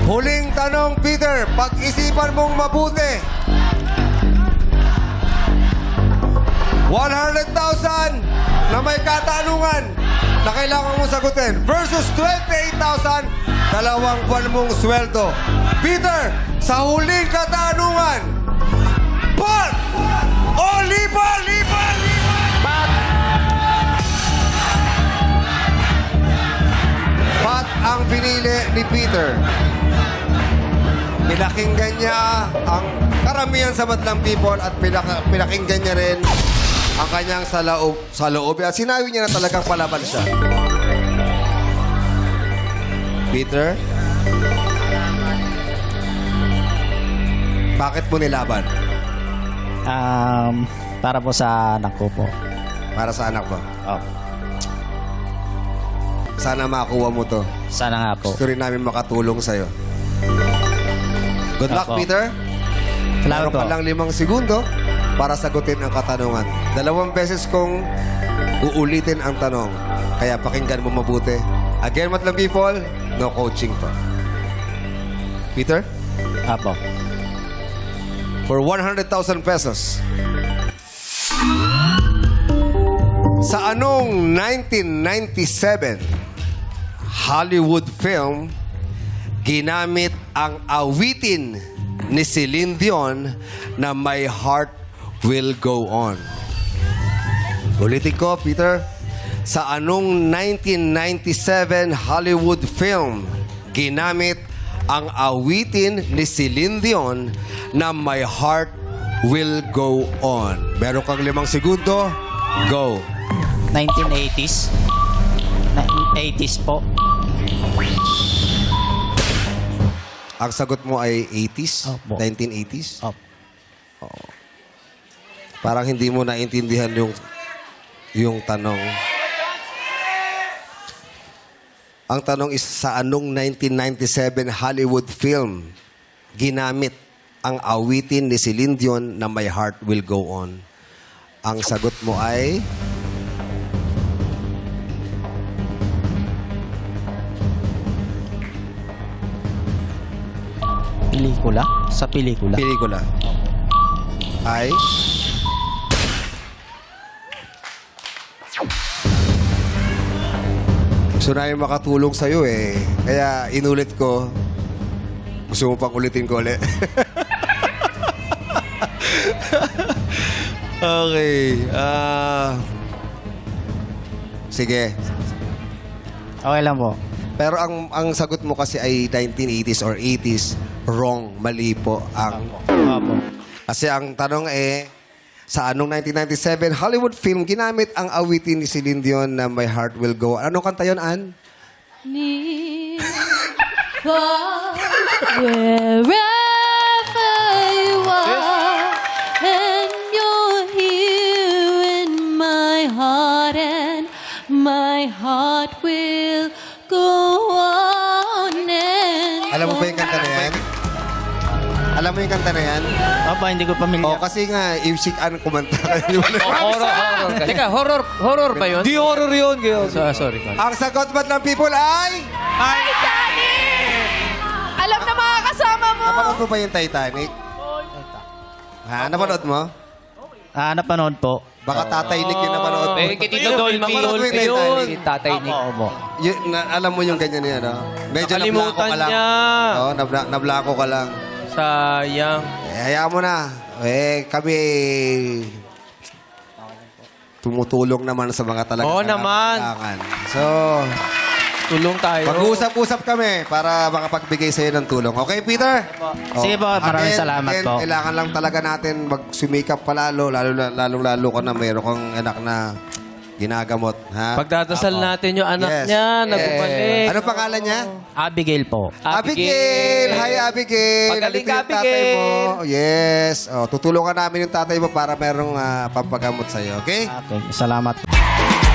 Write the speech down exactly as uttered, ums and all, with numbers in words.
Huling tanong, Peter. Pag-isipan mong mabuti. one hundred thousand na may katanungan na kailangan mong sagutin versus twenty-eight thousand, dalawang buwan mong sweldo. Peter, sa huling katanungan, pat o lipa, lipa, lipa! Pat! Pat ang pinili ni Peter. Pinakinggan niya ang karamihan sa madlang people at pinak- pinakinggan niya rin ang kanyang sa loob, sa loob. At sinabi niya na talagang palaban siya. Peter? Bakit mo nilaban? Um, para po sa anak ko po. Para sa anak mo. Oh, Sana makuha mo to. sana nga po. Gusto rin namin makatulong sa'yo. Good luck, Opo. Peter. Salamat Meron po. ka lang limang segundo para sagutin ang katanungan. Dalawang beses kong uulitin ang tanong. Kaya pakinggan mo mabuti. Again, madlang people, no coaching pa. Peter, Apo. for one hundred thousand pesos, sa anong nineteen ninety-seven Hollywood film ginamit ang awitin ni Celine Dion na My Heart Will Go On? Ulitin ko, Peter. Sa anong nineteen ninety-seven Hollywood film ginamit ang awitin ni Celine Dion na My Heart Will Go On? Meron kang limang segundo. Go. nineteen eighties. nineteen eighties po. Ang sagot mo ay eighties? Opo. nineteen eighties? Opo. Parang hindi mo naintindihan yung yung tanong. Ang tanong is, sa anong nineteen ninety-seven Hollywood film ginamit ang awitin ni Celine Dion na My Heart Will Go On? Ang sagot mo ay Pelikula? Sa pelikula. pelikula. Ay gusto namin makatulong sa'yo eh. Kaya inulit ko. Gusto mo pang ulitin ko ulit? Okay. Ah... sige. Okay lang po. Pero ang ang sagot mo kasi ay nineteen eighties or eighties. Wrong. Mali po ang... Apo. Kasi ang tanong eh, sa anong nineteen ninety-seven Hollywood film ginamit ang awitin ni Celine Dion na My Heart Will Go On? Anong kanta yun, Ann? Near, far, wherever you are, and you're here in my heart, and my heart will go on and Alam mo ba yung kanta na yan? Alam mo yung kanta na yan? Opo, hindi ko O, pamilyar. kasi nga, if si Ann kumanta. Hindi mo na- Horror, horror. Teka, horror, horror ba yun? Di horror yun, Gil. So, sorry, sorry. Ang sagot ba't ng people ay... Ay, Danny! Alam na mga kasama mo! Napanood mo ba yung Titanic? Ha? Napanood mo? Ah, napanood po. Baka Tatay Nick yung napanood mo. Eh, kay Tito Dolphy. Napanood mo yung Yun, Titanic? Tatay Opo, Nick. opo. Y- na- alam mo yung ganyan yan, no? Medyo nablako Nakalimutan ka lang. niya. Oo, nabla- nablako ka lang. Sayang. Eh, hayaan mo na. Eh, kami... tumutulong naman sa mga talaga. Oo naman. So, Tulong tayo. mag-usap-usap kami para makapagbigay sa'yo ng tulong. Okay, Peter? Sige po, maraming Again, salamat again, po. Kailangan lang talaga natin magsumikap palalo, lalo, lalo, lalo ko na mayroon kang anak na ginagamot. Ha? Pagdadasal natin yung anak Yes. niya, Yes. nagbabalik. Ano pangalan niya? Abigail po. Abigail! Hi, Abigail! Pagaling Nandito ka, yung tatay mo. Abigail! Yes. Oh, tutulungan namin yung tatay mo para merong ah, pampagamot sa'yo. Okay? Okay, salamat po.